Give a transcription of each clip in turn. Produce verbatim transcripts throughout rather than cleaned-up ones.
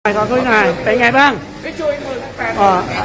ไปขอคุยหน่อยเป็นไงบ้างอ๋อ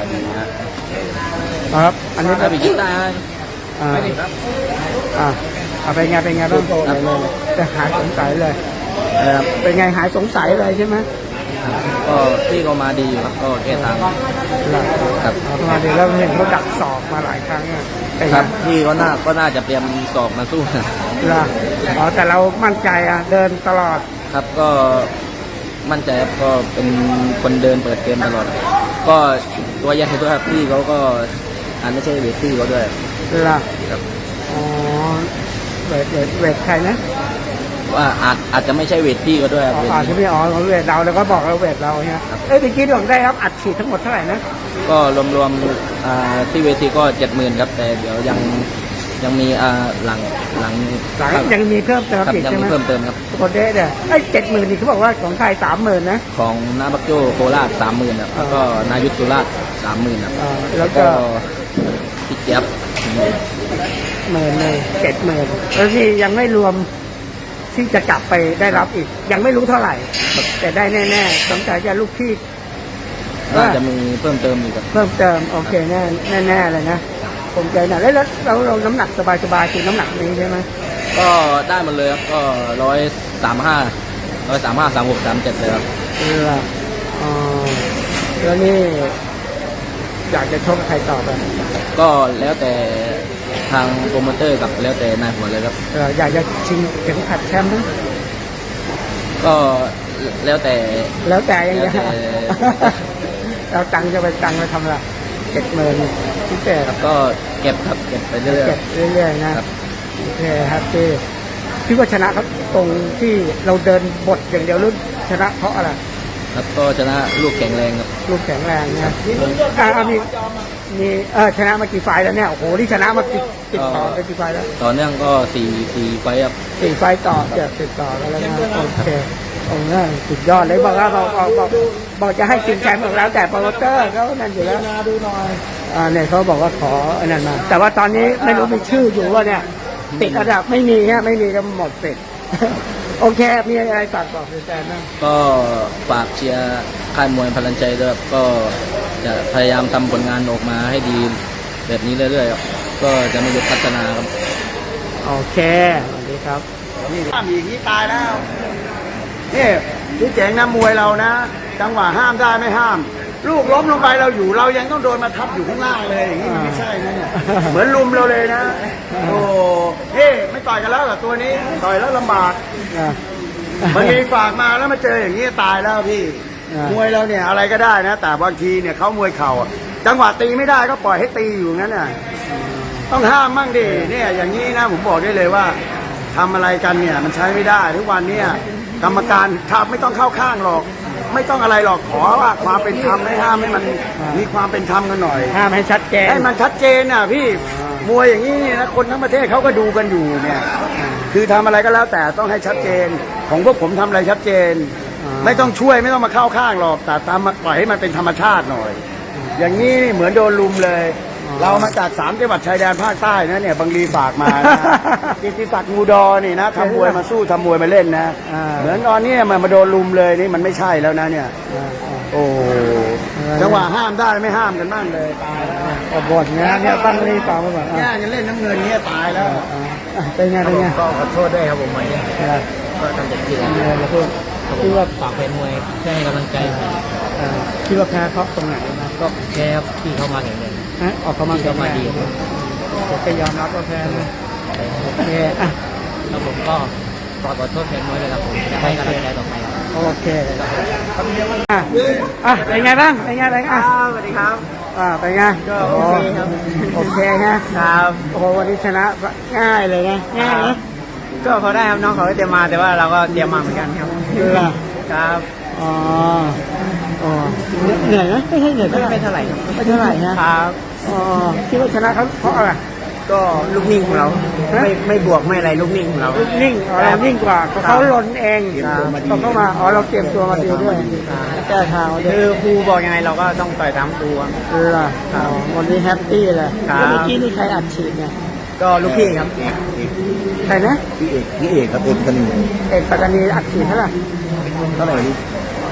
ครับอันนี้ก็ bị ta อ่าอ่าเอาเป็นไงเป็นไงบ้างจะหายสงสัยเลยเป็นไงหายสงสัยเลยใช่ไหมก็พี่ก็มาดีอยู่ครับก็แก้ทางครับมาดีแล้วเห็นเขาดักศอกมาหลายครั้งครับพี่ก็น่าก็น่าจะเตรียมศอกมาสู้นะอ๋อแต่เรามั่นใจอ่ะเดินตลอดครับก็มั่นใจครับก็เป็นคนเดินเปิดเกมตลอดก็ตัวใหญ่ด้วยครับพี่เขาก็อันไม่ใช่เวทพี่เขาด้วยล่ะครับอ๋อเวทเวทเวทใครนะว่าอาจอาจจะไม่ใช่เวทพี่ก็ด้วยครับอาจจะไม่อ๋อเวทเราแล้วก็บอกเราเวทเราเนี่ยเอ้ยเมื่อกี้ผมได้รับอัดฉีดทั้งหมดเท่าไหร่นะก็รวมๆที่เวทีก็เจ็ดหมื่นครับแต่เดี๋ยวยังยังมีหลังหลังหลังยังมีเพิ่มเติมอีกใช่ไหมเพิ่มเติมครับโคเดสเนี่ยไอ้เจ็ดหมื่นนี่เขาบอกว่าของไทยสามหมื่นนะของนาบักโจโคราชสามหมื่นครับแล้วก็นายุทธสุราชสามหมื่นครับแล้วก็พี่เจี๊ยบหมื่นหนึ่งเจ็ดหมื่นแล้วที่ยังไม่รวมที่จะกลับไปได้รับอีกยังไม่รู้เท่าไหร่แต่ได้แน่ๆสงสัยจะลูกพี่น่าจะมีเพิ่มเติมอีกเพิ่มเติมโอเคแน่แน่เลยนะผมใจหนักแล้วเราเราน้ำหนักสบายๆคือน้ำหนักนี้ใช่ไหมก็ได้หมดเลยครับก็ร้อยสามห้าร้อยสามห้าสามหกสามเจ็ดเลยครับเอออ๋อแล้วนี่อยากจะชกใครต่อไปก็แล้วแต่ทางโปรโมเตอร์กับแล้วแต่นายหัวเลยครับเอออยากจะชิงเข็มขัดแชมป์มั้ยก็แล้วแต่แล้วแต่ยังไงเราตังจะไปตังไปทำอะไรเก็บเงินพิเศษก็เก็บครับเก็บไปเรื่อยๆเก็บเรื่อยๆนะโอเคครับที่คิดว่าชนะเขาตรงที่เราเดินบทอย่างเดียวหรือชนะเพราะอะไรครับก็ชนะลูกแข็งแรงครับลูกแข็งแรงนะอ่ามีมีเออชนะมากี่ไฟแล้วเนี่ยโอ้โหที่ชนะมากี่ติดต่อไปกี่ไฟแล้วต่อเนื่องก็สี่สี่ไฟครับสี่ไฟต่อเจ็ดติดต่อแล้วนะโอเคโอ้น่าสุดยอดเลยบอกว่าบอกบอกบอกจะให้ชิงแชมป์แล้วแต่โปรโมเตอร์เขานั่นอยู่แล้วดูหน่อยอ่าเนี่ยเขาบอกว่าขออันนั้นมาแต่ว่าตอนนี้ไม่รู้มีชื่ออยู่ว่าเนี่ยติดอันดับไม่มีฮะไม่มีก็หมดติดโอเคมีอะไรฝากบอกแฟนๆบ้างก็ฝากเชียร์ค่ายมวยพลังใจด้วยก็จะพยายามทำผลงานออกมาให้ดีแบบนี้เรื่อยๆก็จะไม่หยุดพัฒนาครับโอเคสวัสดีครับนี่ห้ามอย่างนี้ตายแล้วนี่ที่เจ๋งนะมวยเรานะจังหวะห้ามได้ไม่ห้ามลูกล้มลงไปเราอยู่เรายังต้องโดนมาทับอยู่ข้างล่างเลยอย่างนี้ไม่ใช่นะเนี่ยเหมือนลุมเราเลยนะโอ้เฮ้ไม่ต่อยกันแล้วเหรอตัวนี้ต่อยแล้วลำบากมันมีฝากมาแล้วมาเจออย่างนี้ตายแล้วพี่มวยเราเนี่ยอะไรก็ได้นะแต่บางทีเนี่ยเขามวยเข่าจังหวะตีไม่ได้ก็ปล่อยให้ตีอยู่งั้นน่ะต้องห้ามมั่งดิเนี่ยอย่างนี้นะผมบอกได้เลยว่าทำอะไรกันเนี่ยมันใช้ไม่ได้ทุกวันนี้กรรมการทับไม่ต้องเข้าข้างหรอกไม่ต้องอะไรหรอกขอว่าความเป็นธรรมให้ห้ามให้มันมีความเป็นธรรมกันหน่อยห้ามให้ชัดเจนให้มันชัดเจนน่ะพี่มวยอย่างนี้นะคนทั้งประเทศเขาก็ดูกันอยู่เนี่ยคือทำอะไรก็แล้วแต่ต้องให้ชัดเจนของพวกผมทำอะไรชัดเจนไม่ต้องช่วยไม่ต้องมาเข้าข้างหรอกแต่ตามมาปล่อยให้มันเป็นธรรมชาติหน่อยอย่างนี้เหมือนโดนลุมเลยเรามาจากสามจังหวัดชายแดนภาคใต้นะเนี่ยบางรีฝากมากิติศักดิ์งูดอนี่นะทำมวยมาสู้ทำมวยมาเล่นนะเหมือนตอนนี้มันมาโดนลุมเลยนี่มันไม่ใช่แล้วนะเนี่ยโอ้จังหวะห้ามได้ไม่ห้ามกันบ้างเลยตายแล้วบ่นนะเนี่ยตั้งรีฝากมาแบบเนี่ยจะเล่นน้ำเงินเนี่ยตายแล้วเป็นไงเป็นไงก็ขอโทษด้วยครับผมวันนี้ก็ทำเต็มที่แล้วคิดว่าฝากแฟนมวยช่วยให้กำลังใจคิดว่าแพ้เพราะตรงไหนนะก็แพ้ที่เข้ามาแข่งเลยฮะออกเข้ามาแข่งมาดีผมก็ยอมรับว่าแพ้นะโอเคอ่ะแล้วผมก็ขอโทษแฟนมวยเลยครับผมจะให้กำลังใจต่อไปโอเคอ่ะอ่ะเป็นไงบ้างเป็นไงเป็นไงสวัสดีครับอ่าเป็นไงก็โอเคครับโอเคนะครับโอ้โหวันนี้ชนะง่ายเลยนะง่ายนะก็เขาได้ครับน้องเขาเตรียมมาแต่ว่าเราก็เตรียมมาเหมือนกันครับครับอ๋ออ๋อเหนื่อยไหมไม่ใช่เหนื่อยไม่เท่าไหร่ไม่เท่าไหร่นะครับอ๋อคิดว่าชนะเขาเพราะอะไรก็ลูกนิ่งของเราไม่ไม่บวกไม่อะไรลูกนิ่งของเราลูกนิ่งเรานิ่งกว่าเขาล้นเองเขาเข้ามาอ๋อเราเตรียมตัวมาดีด้วยแก้ทางคือครูบอกยังไงเราก็ต้องต่อยตามครูเออวันนี้แฮปปี้เลยแล้วเมื่อกี้นี่ใครอัดฉีดเนี่ยก็ลูกพี่ครับใครนะพี่เอกพี่เอกครับเอกปกนีเอกปกนีอัดฉีดเท่าไหร่เท่าไหร่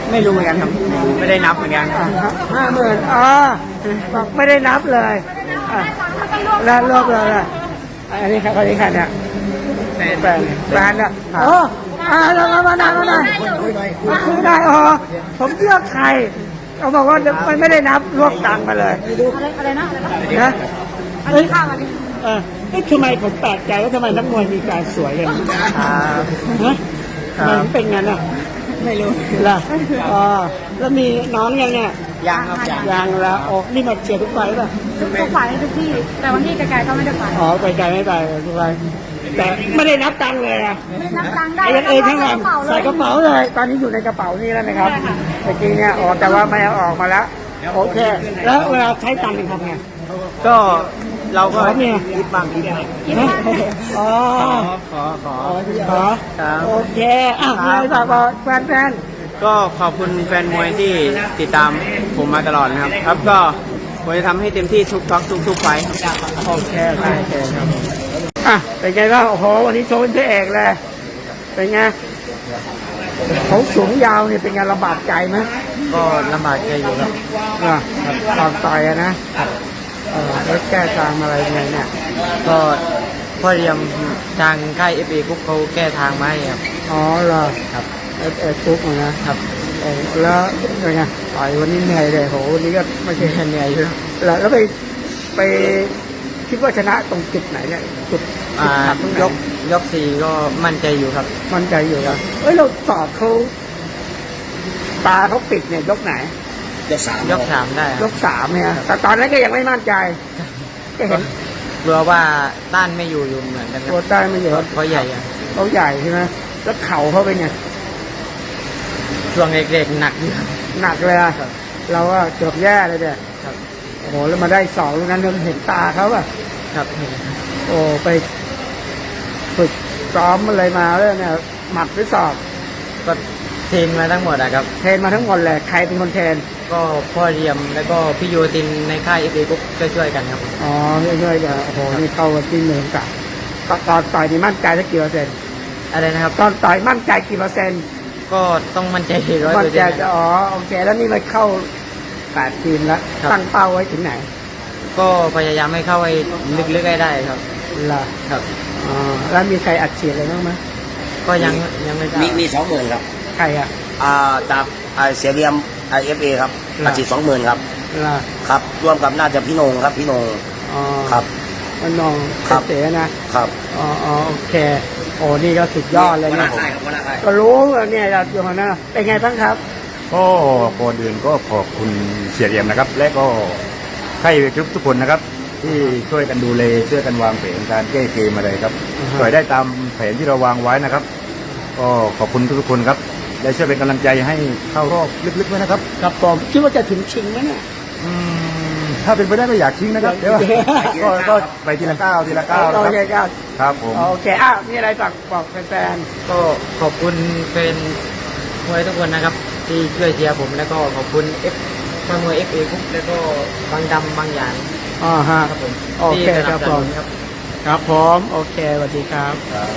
ไม่รู้เหมือนกันครับไม่ได้นับเหมือนกันห้าหมื่นอ๋อบอกไม่ได้นับเลยอ่ะแล้วรวบเลยอ่ะอันนี้ครับอันนี้ค่ะเนี่ยแฟนแฟนแฟนอ่ะโอ้อ่าแล้วมามาหน่อยมาหน่อยคุยได้อ๋อผมเลือกใครเขาบอกว่ามันไม่ได้นับรวบตังค์มาเลยอะไรอะไรนะอะไรนะนะอันนี้ข้าวอันนี้เออเอ๊ะทำไมผมแปลกใจว่าทำไมนักมวยมีการสวยอย่างนี้ฮะมันเป็นงั้นอ่ะไม่รู้ล่ะอ๋อแล้วมีน้องยังเนี่ยยังครับยังยังแล้วโอ้นี่มาเชียร์ทุกไฟล์ป่ะทุกทุกฝ่ายทุกที่ แต่วันนี้ไกลๆเขาไม่ได้ไปอ๋อไปไกลไม่ไปทุกไฟล์แต่ไม่ได้นับตังค์เลยอะไม่ได้นับตังค์ได้ไอ้ยังเองทั้งนั้นใส่กระเป๋าเลย ตอนนี้อยู่ในกระเป๋านี่แล้วนะครับเมื่อกี้เนี่ยอ๋อแต่ว่าไม่เอาออกมาแล้วโอเค แล้วเวลาใช้ตังค์ทำไงก็เราก็ขอเนี่ยคิดบ้างคิดบ้างกินบ้างอ๋อขอขอขอครับโอเคอ่ะมีอะไรฝากบอกแฟนก็ขอบคุณแฟนมวยที่ติดตามผมมาตลอดนะครับ ครับก็ผมจะทำให้เต็มที่ทุกทักทุกทุกไฟท์ๆโอเคโอเคโอเคครับอ่ะเป็นไงบ้างโอ้โหวันนี้โชว์เป็นพระเอกเลยเป็นไงเขาสูงยาวเนี่ยเป็นไงลำบากใจไหมก็ลำบากใจอยู่ครับอ่ะตอนต่อยอะนะเออแล้วแก้ทางอะไรไงเนี่ยก็พ่อเรียมทางค่ายเอฟเอกุ๊กเขาแก้ทางมาให้ครับอ๋อเหรอครับเอฟเอฟุกนะครับ โอ้แล้วเป็นไงต่อยวันนี้เหนื่อยเลยโหวันนี้ก็ไม่ใช่แค่เหนื่อยอยู่แล้วแล้วไปไปคิดว่าชนะตรงจุดไหนเนี่ยจุดอ่าจุดขัดตรงไหนยกยกสี่ก็มั่นใจอยู่ครับมั่นใจอยู่นะเอ้ยเราสอบเขาตาเขาปิดเนี่ยยกไหนยกสามยกสามได้คยรับกสามเนี่ยแต่ตอนนั้นก็ยังไม่มั่นใจก็เห็นกลัวว่าต้านไม่อยู่อยู่เหมือนกันคตัวรับใต้ไม่เยอะเพราะใหญ่อะเขาใหญ่ใช่ไหมแล้วเข่าเขาเป็นไงช่วงเด็กๆหนักอยู่ครับหนักเลยอะเราว่าเกือบแย่เลยเนี่ยครับโอ้โหแล้วมาได้สองตรงนั้นเราเห็นตาเขาอะครับโอ้ไปฝึกซ้อมอะไรมาแล้วเนี่ยหมัดหรือสอบก็เทรนมาทั้งหมดอะครับเทรนมาทั้งหมดเลยใครเป็นคนเทรนก็พ่อเรียมแล้วก็พี่โยตินในค่ายเอฟเอกุ๊กช่วยๆกันครับอ๋อเรื่อยๆเลยโอ้โหนี่เข้าที่หนึ่งกับตอนตอนต่อยนี่มั่นใจสักกี่เปอร์เซ็นต์อะไรนะครับตอนต่อยมั่นใจกี่เปอร์เซ็นต์ก็ต้องมั่นใจร้อยมั่เปอน ร์ใจเซ็นต์จะอ๋อโอเคแล้วนี่มาเข้าแปดทีมแล้วครับตั้งเป้าไว้ถึงไหนก็พยายามให้เข้าไปลึกๆให้ได้ครับล่ะครับอ๋อแล้วมีใครอัดฉีดอะไรบ้างไหมก็ยังยังไม่ทราบมีมีสองหมื่นครับใครอ่ะอ่าจากอ่าเสียเรียมไอเอฟเอครับครับอาชีพสองหมื่นครับล่ะครับรวมกับน่าจะพี่โหนงครับพี่โหนงอ๋อครับมันนองครับเสียนะครับอ๋ออ๋อโอเค โอ้นี่ก็สุดยอดเลยหัวหเนี่น้าย ค่ายครับหัวหน้าค่ายก็รู้ว่าเนี่ยเราอยู่ของนั้นน่ะเป็นไงบ้างครับก็ก่อนอื่นก็ขอบคุณเสียเรียมนะครับ และก็ให้ทุกทุกคนนะครับ ที่ช่วยกันดูแลช่วยกันวางแผนการแก้เกมอะไรครับอือฮะช่วยได้ตามแผนที่เราวางไว้นะครับ ก็ขอบคุณทุกๆคนครับและช่วยเป็นกำลังใจให้เข้ารอบลึกๆด้วยนะครับครับผมคิดว่าจะถึงชิงไหมเนี่ยอืมถ้าเป็นไปได้ก็อยากทิ้งนะครับเดี๋ยวก็ก็ไปทีละก้าวทีละก้าวนะโอเคครับครับครับผมโอเคอ่ะมีอะไรฝากบอกแฟนก็ขอบคุณเป็นมวยทุกคนนะครับ ที่ช่วยเชียร์ผมแล้วก็ขอบคุณเอฟทางมวยเอฟเอกุ๊กแล้วก็บางดำบางอย่างๆอ๋อฮะครับผมโอเคที่สคนัรับบ สผนุมนครับครับผมโอเคสวัสดีครับ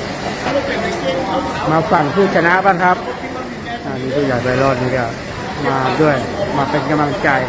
มาฝั่งผู้ชนะบ้างครับอันนี้ผู้ใหญ่ไพโรจน์นี่ก็มาด้วยมาเป็นกำลังใจ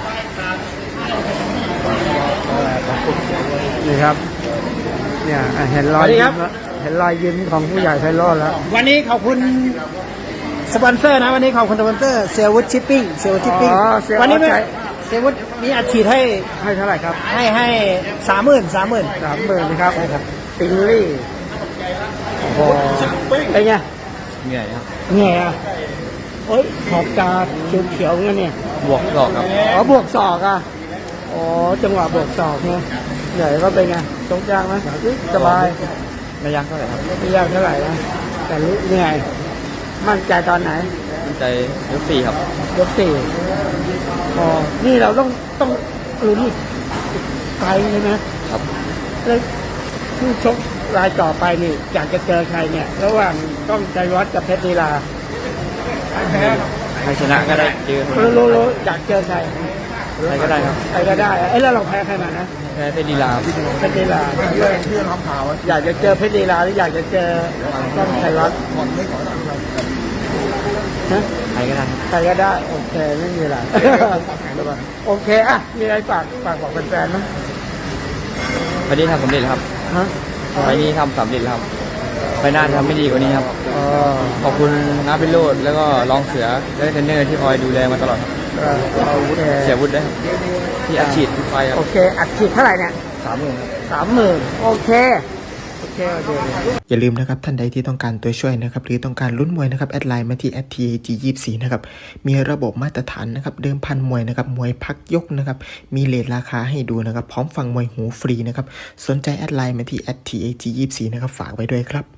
นี่ครับเนี่ยเห็นรอยสวัสดียิ้ครัมบแล้วเห็นรอยยิ้มของผู้ใหญ่ไพโรจน์แล้ววันนี้ขอบคุณสปอนเซอร์นะวันนี้ขอบคุณสปอนเซอร์เซลวุฒชิปปิ้งเซลวุฒชิปปิ้งอ๋อเซลล์วันนี้ไม่ใช้เซลวุฒมีอัดฉีดให้ให้เท่าไหร่ครับให้ให้สามหมื่นสามหมื่นสามหมื่นนะครับติงลี่โอ้โหเป็นไงเหนื่อยครับเหนื่อยอ่ะโอ้ยขอบตาเขียวๆเงี้ยเนี่ยบวกดอกครับอ๋อบวกศอกอ่ะอ๋อจังหวะบวกศอกเนี่ยเหนื่อยก็เป็นไงตรงยากไหมเฮ้ยสบายไม่ยากเท่าไหร่ครับไม่ยากเท่าไหร่นะแต่รู้เหนื่อยมั่นใจตอนไหนมั่นใจยกสี่ครับยกสี่อ๋อนี่เราต้องต้องลุ้นอีกไกลเลยนะครับ แล้วผู้ชกรายต่อไปนี่อยากจะเจอใครเนี่ย ระหว่างต้องใจวัดกับเพชรลีลาใครชนะก็ได้เจอรู้รู้รู้อยากเจอใครใครก็ได้ครับใครก็ได้เอ้ยแล้วเราแพ้ใครมานะแพ้เป็นดีลาเพชรลีลาอยากจะเจอเพชรลีลาหรืออยากจะเจอต้องชัยวัฒน์นะใครก็ได้ใครก็ได้โอเคไม่มีอะไร โอเคอ่ะมีอะไรฝากฝากบอกแฟนๆไหมวันนี้ทำสำเร็จครับฮะไปนี้ทำสำเร็จครับ ไปหน้าทำไม่ดีกว่านี้ครับเออขอบคุณน้าเป็นโรดแล้วก็รองเสือและเทรนเนอร์ที่คอยดูแลมาตลอดครับเออโอเคเสียวุฒิด้วยครับที่อาชีพทุกไฟครัโอบ เคอัดฉีดเท่าไหร่เนี่ยสามหมื่นสามหมื่นโอเคโอเคโอเคอย่าลืมนะครับท่านใดที่ต้องการตัวช่วยนะครับหรือต้องการลุ้นมวยนะครับแอดไลน์มาที่ แอท ที เอ จี ยี่สิบสี่ นะครับมีระบบมาตรฐานนะครับเดิมพันมวยนะครับมวยพักยกนะครับมีเรทราคาให้ดูนะครับพร้อมฟังมวยหูฟรีนะครับสนใจแอดไลน์มาที่ แอท ที เอ จี ยี่สิบสี่ นะครับฝากไว้ด้วยครับ